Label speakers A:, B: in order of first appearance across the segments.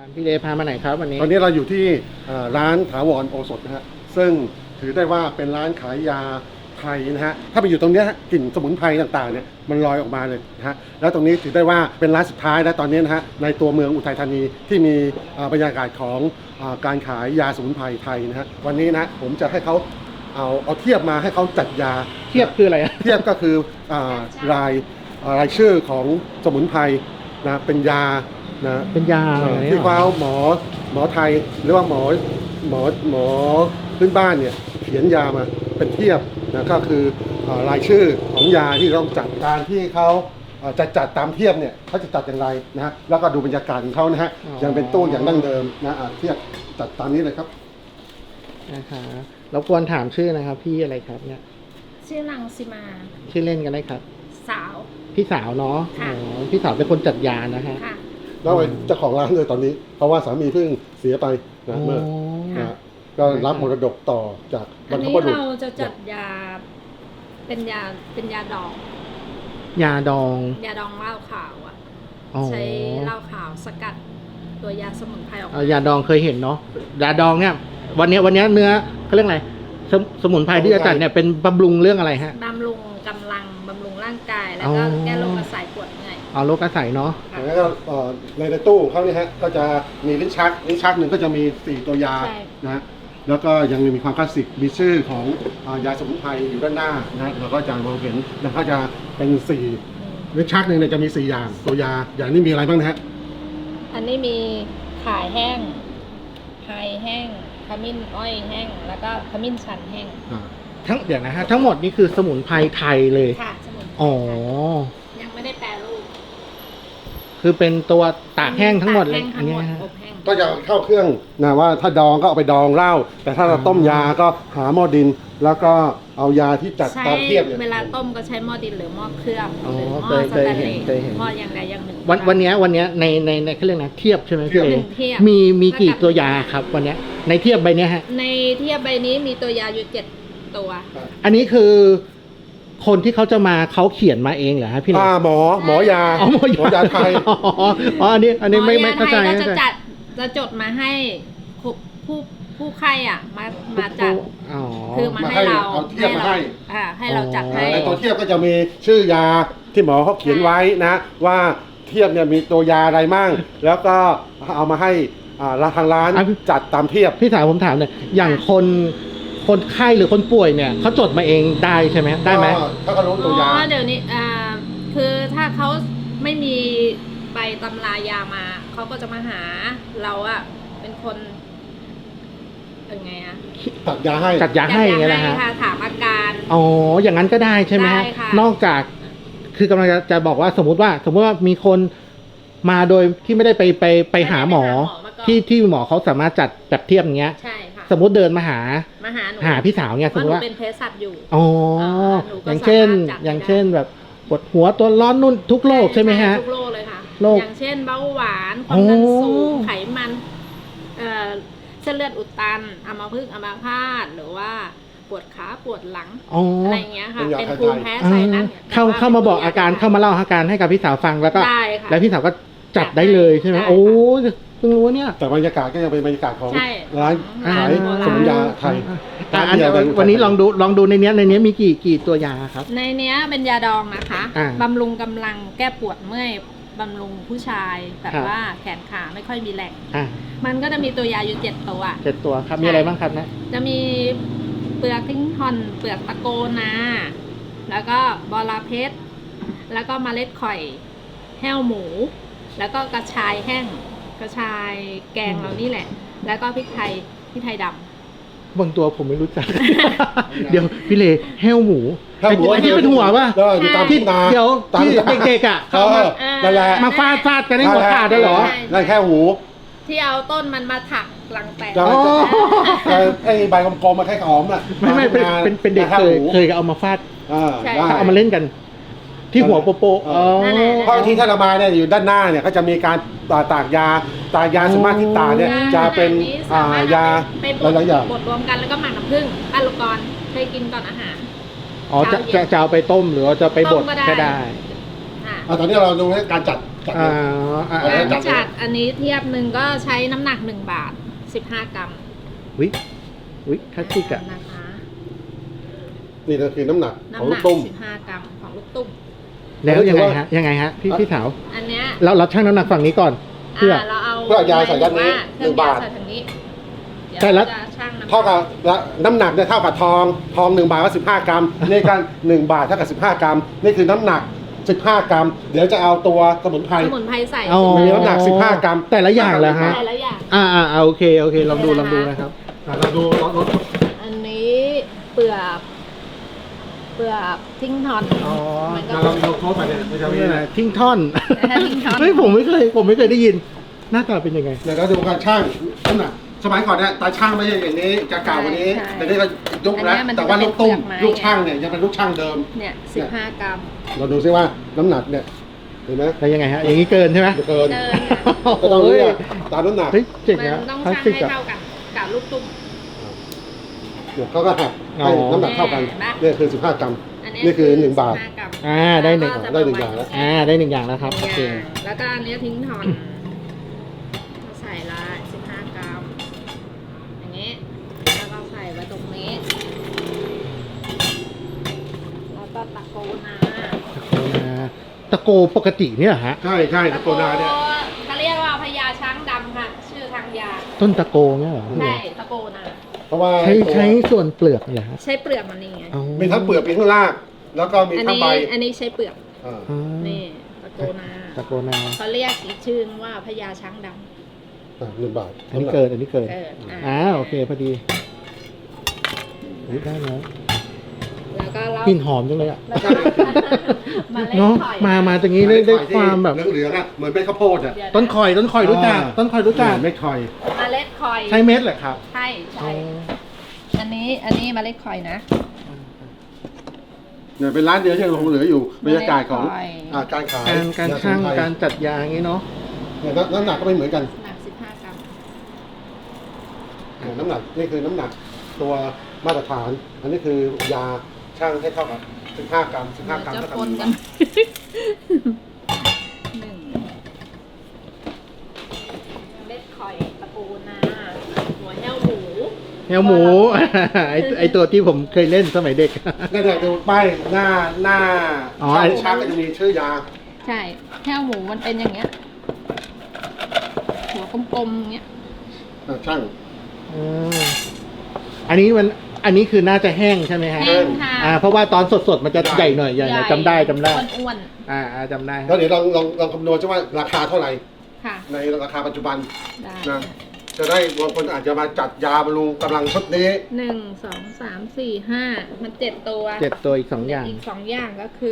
A: พี่เลพามาไหนครับวันนี้
B: ตอนนี้เราอยู่ที่ร้านถาวรโอสถนะฮะซึ่งถือได้ว่าเป็นร้านขายยาไทยนะฮะถ้าไปอยู่ตรงนี้กลิ่นสมุนไพรต่างๆเนี่ยมันลอยออกมาเลยนะฮะแล้วตรงนี้ถือได้ว่าเป็นร้านสุดท้ายและตอนนี้นะฮะในตัวเมืองอุทัยธานีที่มีบรรยากาศของการขายยาสมุนไพรไทยนะฮะวันนี้นะผมจะให้เขาเอาเทียบมาให้เขาจัดยา
A: เทียบคืออะไร
B: เทียบก็คือรายชื่อของสมุนไพรนะเป็นยานะ
A: เป็นยา
B: ที่เขาหมอไทยหรือว่าหมอพื้นบ้านเนี่ยเขียนยามาเป็นเทียบนะก็คือรายชื่อของยาที่ต้องจัดการที่เขาจะจัดตามเทียบเนี่ยเขาจะจัดอย่างไรนะฮะแล้วก็ดูบรรยากาศของเขานะฮะยังเป็นตู้อย่างดั้งเดิมนะเทียบจัดตามนี้เลยครับ
A: นะคะแล้วควรถามชื่อนะครับพี่อะไรครับเนี่ย
C: ชื่อรังสิมา
A: ชื่อเล่นกันได้ครับ
C: สาว
A: พี่สาวเนาะพี่สาวเป็นคนจัดยานะฮะ
B: แล้วเจ้าของร้านเลยตอนนี้เพราะว่าสามีเพิ่งเสียไปนะเมื่อก็รับมรดกต่อจากบรรพบุรุษ
C: เราจะจัดยาเป็นยาดอง
A: ยาดอง
C: เหล้าขาวอ่ะใช้เหล้าขาวสกัดตัวยาสมุนไพรออก
A: ยาดองเคยเห็นเนาะยาดองเนี่ยวันนี้เนื้อเขาเรียกอะไรสมุนไพรที่จะจัดเนี่ยเป็นบำรุงเรื่องอะไรฮะ
C: บำรุงกำลังบำรุงร่างกายแล้วก็แก้โรคกระสายปวดเมื่อย
A: โรคกระสายเนาะ
B: แล้วก็ในตู้เขาเนี่ยฮะก็จะมีลิ้นชักหนึ่งก็จะมี4ตัวยานะฮะแล้วก็ยังมีความคลาสสิกมีชื่อของยาสมุนไพรอยู่ด้านหน้านะเราก็จะมองเห็นนะก็จะเป็น4ลิ้นชักหนึ่งเนี่ยจะมี4อย่างตัวยาอย่างนี้มีอะไรบ้างนะฮะ
C: อันนี้มีข่ายแห้งไฮแห้งขมิ้นอ้อยแห้งแล้วก็ขมิ้นชันแห้ง
A: เดี๋ยวนะฮะทั้งหมดนี่คือสมุนไพรไทยเลย
C: ค่ะสมุนไพรยังไม่ได้แปรรูป
A: คือเป็นตัวตากแห้งทั้งหมดเลยอันนี้
B: ก็จะเข้าเครื่องนะว่าถ้าดองก็เอาไปดองเหล้าแต่ถ้าเราต้มยาก็หาหม้อดินแล้วก็เอายาที่จัดตามเทียบ
C: เวลาต้มก็ใช้หม้อดินหรือหม้อเครื่องหรือหม้อสแตนเลสหม้ออย่างใดอย่างหนึ่ง
A: วันนี้ในเขาเรียกนะเทียบใช่ไหมพี่เอมีกี่ตัวยาครับวันนี้ในเทียบใบนี้ฮะ
C: ในเทียบใบนี้มีตัวยาอยู่7 ตัว
A: อันนี้คือคนที่เขาจะมาเขาเขียนมาเองเหรอฮะพี่
B: หมอยาหมอยาไทย
A: อันนี้ไม่เข้าใจ
C: จะจดมาให้ผู้ไข้อ่ะมาจัดคือมาให้เราให้เราจัดให้
B: ในตัวเทียบก็จะมีชื่อยาที่หมอเขาเขียนไว้นะว่าเทียบเนี่ยมีตัวยาอะไรมั่งแล้วก็เอามาให้ทางร้านจัดตามเทียบ
A: พี่สาวผมถามเนี่ยอย่างคนไข้หรือคนป่วยเนี่ยเขาจดมาเองได้ใช่ไหมได้ไหม
B: ถ้าเขารู้ตัวยา
C: เดี๋ยวนี้คือถ้าเขาไม่มีใบตำรายามาเขาก็จะมาหาเราอะเป็นคนเป็นไงอะ
B: จัดยาให้
A: ไงนะฮะ
C: ถามอาการ
A: อย่างนั้นก็ได้ใช่ไหมฮะนอกจากคือกำลังจะบอกว่าสมมุติว่ามีคนมาโดยที่ไม่ได้ไปหาหมอที่หมอเขาสามารถจัดแบบเทียบอย่างเงี้ยสมมติเดินมาหาพี่สาวเนี่ยสมมติว่า
C: เป็นเภสัชอยู่
A: อย่างเช่นแบบปวดหัวตัวร้อนนุ่นทุกโรคใช่ไหมฮะ
C: ทุกโรคเลยค่ะอย่างเช่นเบาหวานความดันสูงไขมันเส้นเลือดอุดตันอัมพฤกษ์อัมพาตหรือว่าปวดขาปวดหลังอะไรเงี้ยค่ะเป็นภูมิแพ้ไซนัส
A: เข้ามาบอกอาการเข้ามาเล่าอาการให้กับพี่สาวฟังแล้วก็พี่สาวก็จัดได้เลยใช่ไหมเพิ่งรู้เนี่ย
B: แต่บรรยากาศก็ยังเป็นบรรยากาศของร้านขายสมุนยาไทย
A: วันนี้ลองดูในนี้มีกี่ตัวยาครับ
C: ในนี้เป็นยาดองนะคะบำรุงกำลังแก้ปวดเมื่อยบำรุงผู้ชายแบบว่าแขนขาไม่ค่อยมีแรงมันก็จะมีตัวยาอยู่
A: 7 ตัวครับมีอะไรบ้างครับนะ
C: จะมีเปลือกทิ้งทอนเปลือกตะโกนาแล้วก็บอระเพ็ดแล้วก็เมล็ดข่อยแห้วหมูแล้วก็กระชายแห้งกระชายแกงเรานี่แหละแล้วก็พริกไทยดำ
A: บางตัวผมไม่รู้จัก เดี๋ยวพี่เลแห้วหมูที่เป็นหัวป่ะ
B: ที่นา
A: เดี๋ยวที่เด็กๆอ่ะ
B: นั่นแหละ
A: มาฟาดกันให้หัวขาดได้หรอ
B: นั่นแค่หู
C: ที่เอาต้นมันมาถักหลังแตก
B: ไอ้ใบกลมๆมาแค่หอมน่ะ
A: ไม่เป็นเด็กเคยเอามาฟาดเอามาเล่นกันที่หัวโป
B: เพราะที่ถ้าเรามาเนี่ยอยู่ด้านหน้าเนี่ยก็จะมีการตากยาสมาธิตาเนี่ยจะเป็นยาหลายอย่าง
C: บดรวมกันแล้วก็หมักน้ำผึ้งอะลูกรเคยกินก่อนอาหาร
A: จะเอาไปต้มหรือจะไปบดก็ได้
B: ตอนนี้เราดูการจัดจัด
A: อ่า
B: เลย
A: อ่า
C: การ
A: อ่า
C: จัดอันนี้เทียบหนึ่งก็ใช้น้ำหนัก1 บาท 15 กรัม
A: วิคลาสสิกอะ
C: นะคะ
B: นี่ก็คือน้ำหนักของ
C: น้ำห
B: ลู
C: นั
B: ก
C: ก
B: ตุ้ม
C: 15 กรัมของลูกตุ้ม
A: แล้วยังไงฮะพี่สาว
C: อันเนี้ย
A: เราชั่งน้ำหนักฝั่งนี้ก่อน เพื่อ
C: เราเอา
B: เพื่อยาใส่ด้านนี้
C: เครื่อง
B: 1 บาท
C: ยใส่ทางนี้เดี๋ยว
A: ใช่แล้ว
C: จะชั่งน้ำหนัก
B: เท่ากับน้ำหนักเนี่ยเท่ากับทอง1 บาทก็15 กรัมนี่กัน1 บาทเท่ากับ15 กรัมนี่คือน้ำหนัก15 กรัมเดี๋ยวจะเอาตัวสมุนไพร
C: สมุนไพรใส่
A: อ๋อ
B: มีน้ำหนัก15 กรัม
A: แต่ละอย่างเหรอฮะ
C: ใส่แล้วอย่าง
A: โอเคลองดูนะครับ
B: เราดูรถ
C: อันนี้เปลือกทิ้งทอน
A: อ๋อ
C: มันก็
B: เราโค้ดมาเนี่ยไม่ใช่
A: นี่
B: ไม่
A: แห
B: ใช่
A: ละทิ้งท่อน
C: ทิ้งท่อน
A: เฮ้ยผมไม่เคยได้ยิน หน้าตาเป็นยังไง
B: เดี๋ยวเราดูการช่างน้ำหนักสมัยก่อนเนี่ยตาช่างไม่ใช่อย่างนี้จะเก่ากว่านี้แต่นี่ก็ยุคแล้วแต่ว่าลูกตุ้มลูกช่างเนี่ยยังเป็นลูกช่างเดิม
C: เนี่ย15 กรัม
B: เราดูซิว่าน้ำหนักเนี่ยเห็นไหม
A: แล้วยังไงฮะ อย่างนี้เกินใช่ไหม
B: จะเกิน
C: เดิน
B: ก็ต้องเลือกตามน้ำหนัก
A: เฮ้ยเจ๋ง
C: มัน
A: นะ
C: ต้อง
A: คลาส
C: ชั่ง
A: สิก
C: ให้
A: อะ
C: เท่ากันกับลูกตุ้ม
B: เนี่ยเขาก็หักให้น้ำหนักเท่ากัน
C: เห็นไหม
B: เนี่ยคือ15 กรัม
C: อัน
B: นี่คือ1 บาท
C: 15 กรัม
A: ได้หนึ่ง
C: แล้วก็จะ
B: ได้1 อย่างแล้ว
A: ได้1 อย่างแล้วครับโอเค
C: แล้วก็อันนี้ทิ้งทอนใส่ละ15 กรัมอย่างนี้แล้วก็ใส่ไว้ตรงนี้แล้วก็ตะโกนา
A: ตะโกปกติเนี่ยเหรอฮะ
B: ใช่ตะโกนาเนี่ย
C: เขาเรียกว่าพญาช้างดำค่ะ ชื่อทางยา
A: ต้นตะโกเนี่ยเหรอ
C: ใช่ตะโกนา
B: เพราะว่า
A: ใช้ส่วนเปลือกเหรอฮะ
C: ใช้เปลือกมันนี่ไง
A: อ๋อ
B: มีทั้งเปลือกมีทั้งรากแล้วก็มี
C: อัน
B: ทั้ง
C: นี้
B: ใบ
C: อันนี้ใช้เปลือก
B: อ่า
A: อ๋อ
C: นี่ตะโกนา
A: ตะโกนา
C: เขาเรียกอีกชื่อว่าพญาช้างด
B: 1 บาท
A: อันนี้เกิน
C: ำเกิด
A: โอเคพอดีอุ๊ยได้แล้ว
C: แล้วก็เรา
A: กลิ่นหอมจังเลยอะ
C: แล้วก็มาเล่น
A: เนาะ
C: ถอย
A: มาตรงนี้ได้ความแบบ
B: เหลืองๆอ่ะเหมือนเป็นข้าวโพดอ่ะ
C: เดี๋ยวะ
A: ต้นคอยรู้จักต้นคอยรู้จัก
B: ไม่คอย
C: เมล็ดคอย
A: ใช้เม็ดเหรอครับ
C: ใช่อันนี้เมล็ดคอยนะ
B: เนี่ยเป็นร้านเดียวที่ยังคงเหลืออยู่บรรยากาศของ
C: ไม่ได้
B: การขาย
A: การช่าง
B: ยสมุนไพ
A: การจัดยาอย่างนี้เนาะ
B: เนี่ยน้ำหนักก็ไม่เหมือนกัน
C: หนัก15 กรัม
B: น้ำหนักนี่คือน้ำหนักตัวมาตรฐาน อันนี้คือยาช่างให้เท่ากับ15 กรัม15 กรัม
C: จะ
B: เท่ากับ
C: ปน
B: 1
C: กับ
B: าน ท
C: หนึ่งเมล็ดคอยตะปูนาหัวแห้วหมู
A: แฮวหมู ไอตัวที่ผมเคยเล่นสมัยเด็ก
B: นั่นแหละดูป้ายหน้า
A: อ๋อ
B: ช่างก็จะมีชื่อยา
C: ใช่แห้วหมูมันเป็นอย่างเงี้ย หัวกลมๆอย่างเงี้ย
B: ช่าง
A: อันนี้คือน่าจะแห้งใช่ไหมฮะ
C: แห้งค่ะ
A: เพราะว่าตอนสดๆมันจะใหญ่หน่อยใหญ่หน่อยจำได้
C: อ้วน
A: จำได้
B: แล้วเดี๋ยวลองคำนวณใช่ว่าราคาเท่าไหร่
C: ๆค่ะ
B: ในราคาปัจจุบัน
C: ได้
B: นะจะได้บางคนอาจจะมาจัดยาบำรุงกำลังชุดนี้
C: 1 2 3 4 5มัน7 ตัว
A: 7 ตัวอีก 2 อย่าง
C: อีก2 อย่างก็คือ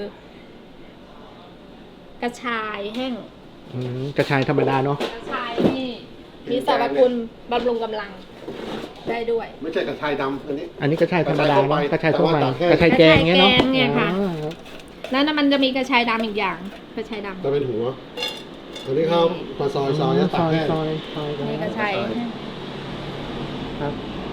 C: กระชายแห้ง
A: กระชายธรรมดาเนาะ
C: กระชายนี่มีสรรพคุณบำรุงกำลังได้ด้วย
B: ไม่ใช่กระชายดำอันนี้
A: อันนี้กระชายธรรมดาเนอะกระชายทั่วไป
B: กระชายแกง
A: กระชายแกงเงี้ยเนาะ
C: กระชายแกงเนี่ยค่ะ
A: อ๋อ
C: แล้วนั่นมันจะมีกระชายดำอีกอย่างกระชายดำ
B: จะเป็นหัวอันนี้เขามาซอยแล้วตัดแห้ง
A: ซอย
C: นี่กระชายแห้ง
A: ครับ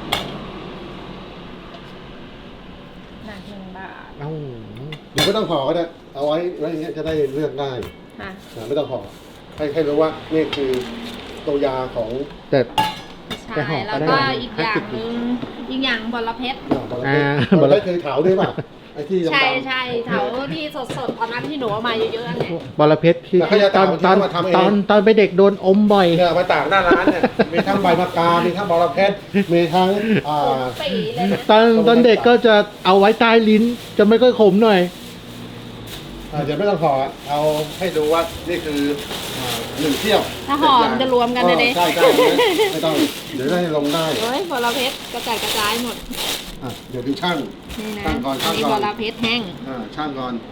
C: หนัก1 บาท
A: เอ้า
B: เดี๋ยวไม่ต้องห่อก็ได้เอาไว้อย่างเงี้ยจะได้เลือกได้
C: ค่ะ
B: ไม่ต้องห่อให้รู้ว่านี่คือตัวยาของ
A: แต่
C: กระชายแล้วก็อีกอย่างหนึงอีกอย่างบอระเพ็ด
B: บอลเพ็ดคือเถาด้วยป่ะไอ้ที่ดำๆ
C: ใช่เถาที่สดๆตอนนั้นที่หนูเอามาเยอะๆอันเนี้ย
A: บอระเพชรที่
B: แต่เขาจะ
A: ตอน
B: ตามที่เขามาทำเอง
A: ตอนไปเด็กโดนอมบ่อย
B: เนี่ยมาตากหน้าร้านเนี่ยมีทั้งใบมะกา มีทั้งบอระเพ็ดมีทั้ง
C: ปีเลยนะ
A: ตอนเด็กก็จะเอาไว้ใต้ลิ้น จะไม่ค่อยขมหน่อย
B: เดี๋ยวไม่ต้องห่อเอาให้ดูว่านี่คือ1 เที่ยว
C: ถ้าห่อมันจะรวมกันเลยเด้
B: ใช่ไม่ต้องเดี๋ยวได้ลงได้
C: เฮ้ยบอระเพ็ดกระจายกระจายหมด
B: เดี๋ยวดูช่าง
C: นี่นะ
B: ตั้งก่อน
C: อันนี้
B: ตั้งก่
C: บ
B: อ
C: อน ระเพ็ดแห้ง
B: ช่างก่อน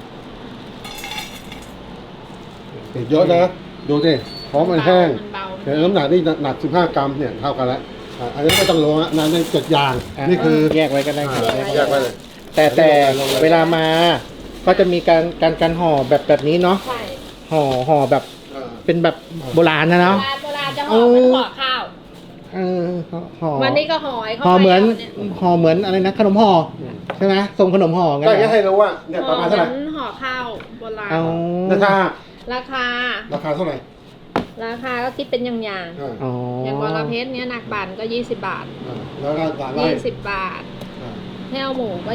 B: เยอะนะดูสิเพราะมันแห้ง
C: มันเบา
B: เดี๋ยวน้ำหนักนี่หนัก15 กรัมเนี่ยเท่ากันแล้วอันนี้ไม่ต้องลงนะนั่น7 อย่าง นี่คือ
A: แยกไว้ก็ได้ครับ
B: แยกไว้เลย
A: แต่เวลามา ก็จะมีการห่อแบบนี้เนาะ
C: ใช่
A: ห่อแบบเป็นแบบโบราณนะเนาะ
C: โบราณจะห่อเป็นห่อข้าว
A: ห่อ
C: วันนี้ก็ห่อเข้า
A: ห่อ
C: ไป
A: เหมือน
C: เนี่ย
A: ห่อเหมือนอะไรนะขนมห่อใช่ไหมทรงขนมห่องั้น
B: ก็
A: เหร
B: จะ
A: อ
B: ให้รู้ว่าเนี่ยประมาณเท่าไหร่
C: ห่อข้าวโบราณ
A: เอา
B: ถ้า
C: ราคา
B: ราคาเท่าไหร่
C: ราคาก็คิดเป็นอย่าง
B: อ่า
A: อ๋อ
C: ๆอย่างวรเพชรเนี้ยหนักบานก็20 บาท
B: แล้วก็ร้านไร่
C: 20 บาท
B: อ่า
C: แห้วหมูก็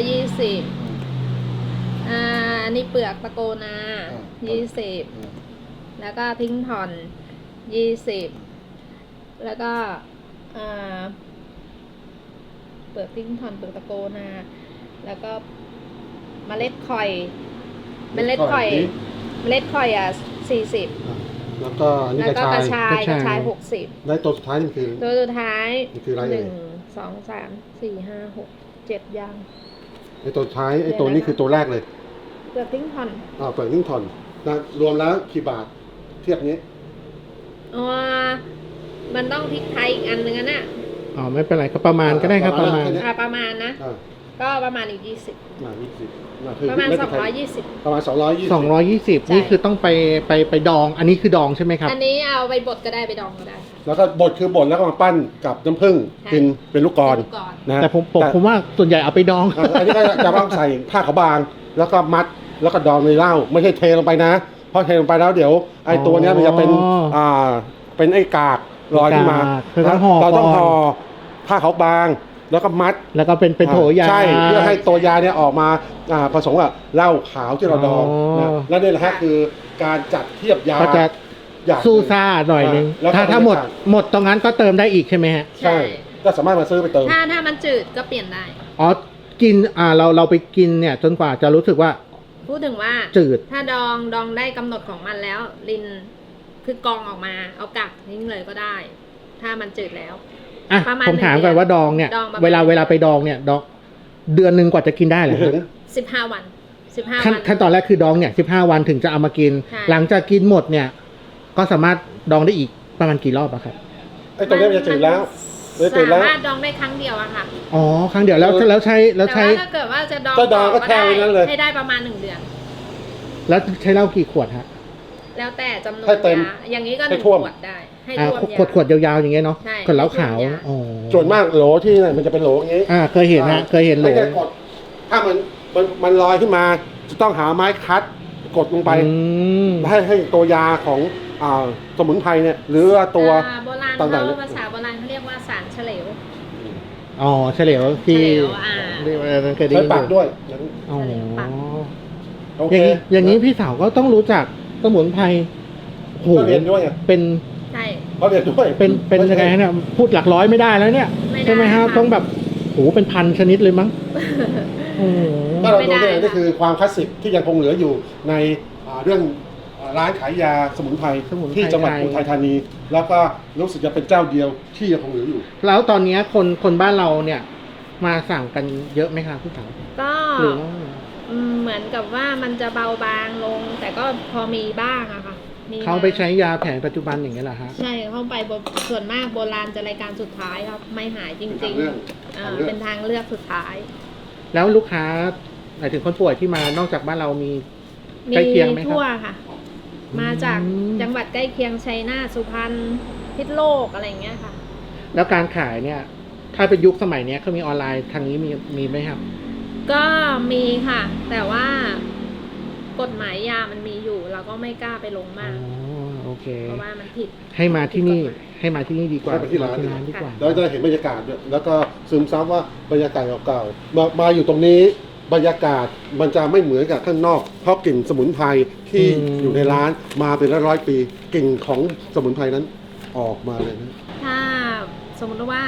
C: 20อันนี้เปลือกตะโกนา20แล้วก็ทิ้งถอน20แล้วก็เปลือกทิ้งถอนเปลือกตะโกนาแล้วก็เมล็ดข่อยเมล็ดข่อย40
B: แล้วก็อันนี้
C: แล้ว
B: กระ
C: ก็
B: ชาย
C: กระชาย
B: ได้ตัวสุดท้ายนี่คือ
C: 60ตัวสุดท้าย
B: นี่คืออะไรเอ่ย
C: 1 2 3 4 5 6 7อย่าง
B: ไอ้ตัวสุดท้ายไอ้ตัวนี้คือตัวแรกเลย
C: เปลือกทิ้งถอน
B: เปิดนิ่งทอนนะรวมแล้วกี่บาทเทียบนี้
C: มันต้องพริกไทยอีกอันนึงน่ะ
A: อ๋อไม่เป็นไรก็ประมาณก็ได้ครับประมาณ
C: ประมาณนะ
B: อ่า
C: ก็ประมาณอีก20
B: คือ
C: ประมาณ
B: ไไทย
C: 220
B: ประมาณ220
A: 220นี่คือต้องไปดอง อันนี้คือดองใช่ไหมครับ
C: อันนี้เอาไปบดก็ได้ไปดองก็ได้
B: แล้วก็บดคือบดแล้วก็มาปั้นกับน้ำผึ้ง
C: ใช่
B: กินเป็นลูกกลอน
C: เป็นลูกกลอน
B: นะ
A: แต่ผมว่าส่วนใหญ่เอาไปดอง
B: อันนี้ก็จะต้องใส่ผ้าขาวบาง แล้วก็มัดแล้วก็ดองในเหล้าไม่ใช่เทลงไปนะเพราะเทลงไปแล้วเดี๋ยวไอ้ตัวเนี้ยมันจะเป็นเป็นไอ้กากลอยขึ้นมา
A: คือต้องห่อ
B: เราต้อง
A: ก่อน
B: ห่อผ้าขาวบางแล้วก็มัด
A: แล้วก็เป็นโถยา
B: ใช่เพื่อให้ตัวยาเนี่ยออกมาผสมกับเหล้าขาวที่เราดองนะและนี่แหละฮะคือการจัดเทียบยา
A: ก็จะ
B: อย่าง
A: สู้ซ่าหน่อยนึง
B: แล้วก็
A: ถ้าหมดตรงนั้นก็เติมได้อีกใช่ไหมฮะ
B: ใช่ก็สามารถมาซื้อไปเติม
C: ถ้ามันจืดก็เปลี่ยนได้
A: อ๋อกินเราไปกินเนี่ยจนกว่าจะรู้สึกว่า
C: พูดถึงว่า
A: จืด
C: ถ้าดองได้กำหนดของมันแล้วลินคือกรองออกมาเอากักทิ้งเลยก็ได้ ถ้ามันจืดแล้ว
A: อ่ะ
C: ประมาณ
A: ผมถามก่อนว่าดองเนี่ย
C: ดองประมาณ
A: เวลาไปดองเนี่ยดองเดือนหนึ่งกว่าจะกินได้เหรอ
B: ถึง
C: 15 วัน15
A: ขั้น
C: วัน
A: ขั้นตอนแรกคือดองเนี่ย15 วันถึงจะเอามากิน
C: ใช่
A: หลังจากกินหมดเนี่ย ก็สามารถดองได้อีกประมาณกี่รอบอะครับ
B: ไอ้ตัวนี้มันจะจืดแล้วมันจะจืด
C: สา
B: แล้ว
C: มารถดองได้ครั้งเดียวอะค่ะ
A: อ๋อครั้งเดียวแล้วใช้
C: แต่ว่าถ้าเกิดว่าจะดอง
B: ก็ดองก็แช่ไว้นั้นเลย
C: ให้ได้ประมาณ1 เดือน
A: แล้วใช้เหล้ากี่ขวดฮะ
C: แล้วแต่จำนวน
B: ให้เต็ม
C: ยาอย่างนี้ก็
B: ให้
C: 1
B: ท่วม
C: ขวดได้ ให้ท่วมยา
A: ขวดยาวๆอย่างเงี้ยเนาะ
C: ใช่
A: ขวดเหล้าขาว
C: ให้ท่วมยา
A: อ๋อ
B: ส่วนมากโหลที่ไหนมันจะเป็นโหลอย่างนี้
A: เคยเห็นฮะเคยเห็นโหล
B: ไม่ได้กดถ้ามันลอยขึ้นมาจะต้องหาไม้คัดกดลงไป
A: อืม
B: ให้ตัวยาของสมุนไพรเนี่ยหรือว่าตัว
C: โบราณ
B: ต่างๆ
C: เขาภาษาโบราณเขาเรียกว่าสารเฉลว
A: อ๋อเฉลียวที่
C: เฉลียว
A: เรียกว่าอะไรเคยได้
B: ใช้
A: ยิน
B: ปากด้วย
A: อ๋อ
C: ปาก
B: โอ
A: อ
B: เค
A: ย่างนี้พี่สาวก็ต้องรู้จักสมุนไพรโอ้โห
B: ก็เรียนด้วยไง
A: เป็น
C: ใช่
B: เขาเรียนด้วย
A: เป็นยังไงฮะเนี่ยพูดหลักร้อยไม่ได้แล้วเนี่ย
C: ไม่ได้
A: ใช่ไหมฮะ
C: ค่ะ
A: ต้องแบบโหเป็นพันชนิดเลยมั้งโอ้โห
B: ถ้าเรา
C: ไม่
B: ดู
C: ได้
B: เนี่ย
C: ค่ะ
B: นี่คือความคลาสสิกที่ยังคงเหลืออยู่ในเรื่องร้านขายยาสมุนไพรที่จังหวัดอุทัยธานี แล้วก็รู้สึกจะเป็นเจ้าเดียวที่ยังคงเหลืออยู่
A: แล้วตอนนี้คนบ้านเราเนี่ยมาสั่งกันเยอะไหมคะพี่สาว
C: ก็
A: หรือว่า
C: เหมือนกับว่ามันจะเบาบางลง แต่ก็พอมีบ้างอะค่ะมี
A: เขาไปใช้ยาแผนปัจจุบันอย่างเงี้ยเหรอฮะ
C: ใช่เข้าไปส่วนมากโบราณจะรายการสุดท้ายครับไม่หายจริงๆเป็นทางเลือกสุดท้าย
A: แล้วลูกค้าหมายถึงคนป่วยที่มานอกจากบ้านเรามีใกล้เคียงไหมครับ
C: ทั่วค่ะ มาจาก
A: อืม
C: จังหวัดใกล้เคียงชัยนาทสุพรรณพิษณุโลกอะไรอย่างเงี้ยค่ะ
A: แล้วการขายเนี่ย ถ้าเป็นยุคสมัยเนี้ยเขามีออนไลน์ทางนี้มีไหมครับ
C: ก็มีค่ะ แต่ว่ากฎหมายยามันมีอยู่ เราก็ไม่กล้าไปลง
A: อ๋อ
C: มาก
A: โอเค
C: เพราะว่ามันผิด
A: ให้มาที่นี่
C: ผิดกฎหมาย
A: ให้มาที่นี่ดีกว่า
B: ให้มาที่ร้าน
A: ดีกว่า
B: แล้วจะเห็นบรรยากาศด้วยแล้วก็ซึมซับว่าบรรยากาศเก่าๆมาอยู่ตรงนี้บรรยากาศมันจะไม่เหมือนกับข้างนอกเพราะกลิ่นสมุนไพรที่อยู่ในร้านมาเป็นร้อยๆปีกลิ่นของสมุนไพรนั้นออกมาเลยนะ
C: ถ้าสมมติว่า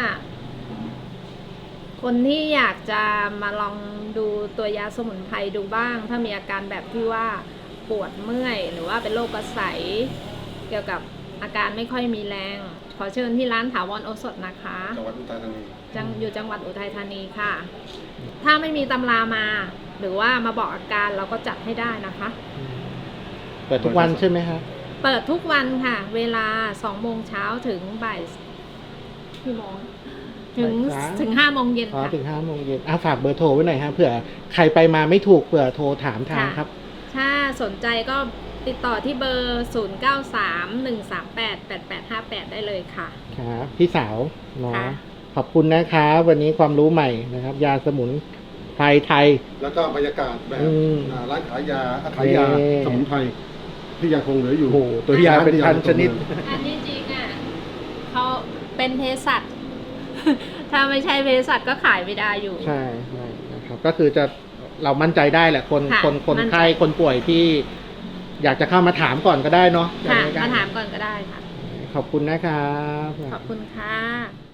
C: คนที่อยากจะมาลองดูตัวยาสมุนไพรดูบ้าง ถ้ามีอาการแบบที่ว่าปวดเมื่อย หรือว่าเป็นโรคกระใสเกี่ยวกับอาการไม่ค่อยมีแรง ขอเชิญที่ร้านถาวรโอสถนะคะ
B: จังหวัดอุทัยธานี
C: อยู่จังหวัดอุทัยธานีค่ะ ถ้าไม่มีตำรามา หรือว่ามาบอกอาการเราก็จัดให้ได้นะคะ
A: เปิดทุกวันใช่ไหมครับ
C: เปิดทุกวันค่ะ เวลา2 โมงเช้าถึงบ่ายกี่โมงถึง5 โมงเย็น
A: อ๋อ
C: ค่ะ
A: ถึง5 โมงเย็นฝากเบอร์โทรไว้หน่อยฮะเผื่อใครไปมาไม่ถูกเผื่อโทรถามทางครับ
C: ถ้าสนใจก็ติดต่อที่เบอร์ 0931388858 ได้เลยค่ะ
A: ครับพี่สาวเนาะ
C: ค่ะ
A: ขอบคุณนะครับวันนี้ความรู้ใหม่นะครับ ยาสมุนไพรไทย
B: แล้วก็บรรยากาศแบบ
A: อืม
B: ร้านขายยาขายยา
A: เอ่อ
B: สมุนไพรที่ยังคงเหลืออยู่
A: โอ้โหตัวยาเป็นพันชนิด
C: อันนี้จริงอ่ะเขาเป็นเภสัช ถ้าไม่ใช่เภสัชก็ขายไม่ได้อยู่
A: ใช่ใช่นะครับก็คือจะเรามั่นใจได้แหละคน
C: ค่ะ
A: คน
C: มั่นใจ
A: ไข้คนป่วยที่ อยากจะเข้ามาถามก่อนก็ได้เนาะ
C: ค่ะ
A: ยังไงก็
C: มาถามก่อนก็ได้ค่ะ
A: ขอบคุณนะครับ
C: ขอบคุณค่ะ